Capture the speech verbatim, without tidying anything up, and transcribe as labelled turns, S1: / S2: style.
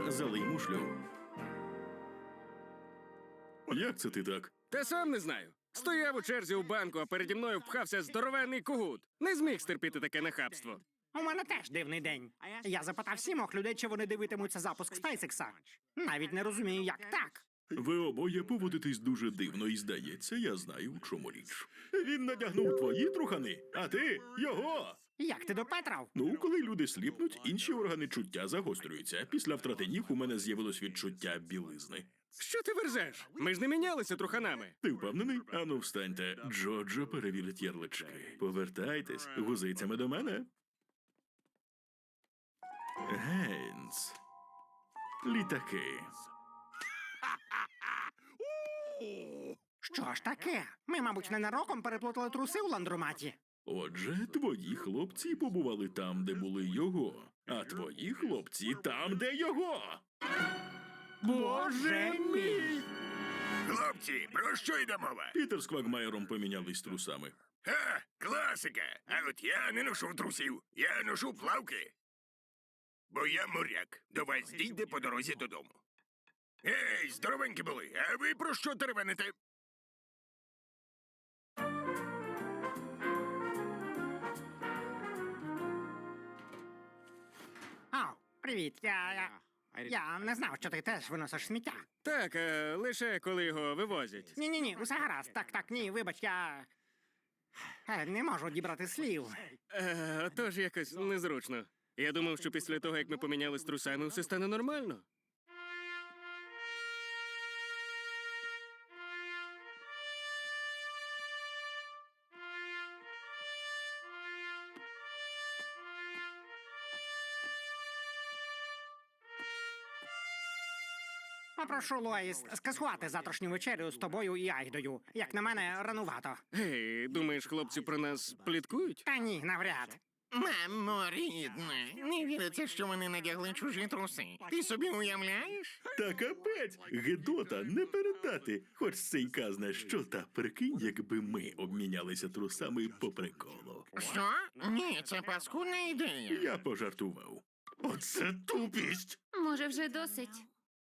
S1: залий мушлю. Як це ти так?
S2: Та сам не знаю. Стояв у черзі у банку, а переді мною впхався здоровенний кугут. Не зміг стерпіти таке нахабство.
S3: У мене теж дивний день. Я запитав сімох людей, чи вони дивитимуться запуск SpaceX. Навіть не розумію, як так.
S1: Ви обоє поводитесь дуже дивно, і здається, я знаю, у чому річ. Він надягнув твої трухани, а ти його.
S3: Як ти допетрав?
S1: Ну, коли люди сліпнуть, інші органи чуття загострюються. Після втрати ніг у мене з'явилось відчуття білизни.
S2: Що ти верзеш? Ми ж не мінялися труханами.
S1: Ти впевнений? Ану, встаньте. Джоджо перевірить ярлички. Повертайтесь гузицями до мене. Гейнс. Літаки.
S3: Що ж таке? Ми, мабуть, ненароком переплутали труси у ландроматі.
S1: Отже, твої хлопці побували там, де були його, а твої хлопці там, де його.
S3: Боже мій!
S4: Хлопці, про що йде мова?
S1: Пітер з Квагмайером помінялись трусами.
S4: Ха, класика. А от я не ношу трусів, я ношу плавки. Бо я моряк. До вас дійде по дорозі додому. Ей, здоровенькі були, а ви про що теревените?
S3: Ау, привіт, я, я... Я не знав, що ти теж виносиш сміття.
S2: Так, е, лише коли його вивозять.
S3: Ні-ні-ні, усе гаразд. Так, так, ні, вибач, я... Е, Не можу дібрати слів.
S2: Е, тож якось незручно. Я думав, що після того, як ми помінялись трусами, все стане нормально.
S3: Попрошу Лоїс скасувати завтрашню вечерю з тобою і Айдою. Як на мене, ранувато.
S2: Гей, думаєш, хлопці про нас пліткують?
S3: Та ні, навряд.
S5: Мамо, рідна, не віриться, що вони надягли чужі труси. Ти собі уявляєш?
S1: Та капець! Гедота не передати. Хоч сейка зна що, та прикинь, якби ми обмінялися трусами по приколу.
S5: Що? Ні, це паскудна ідея.
S1: Я пожартував. Оце тупість!
S6: Може, вже досить?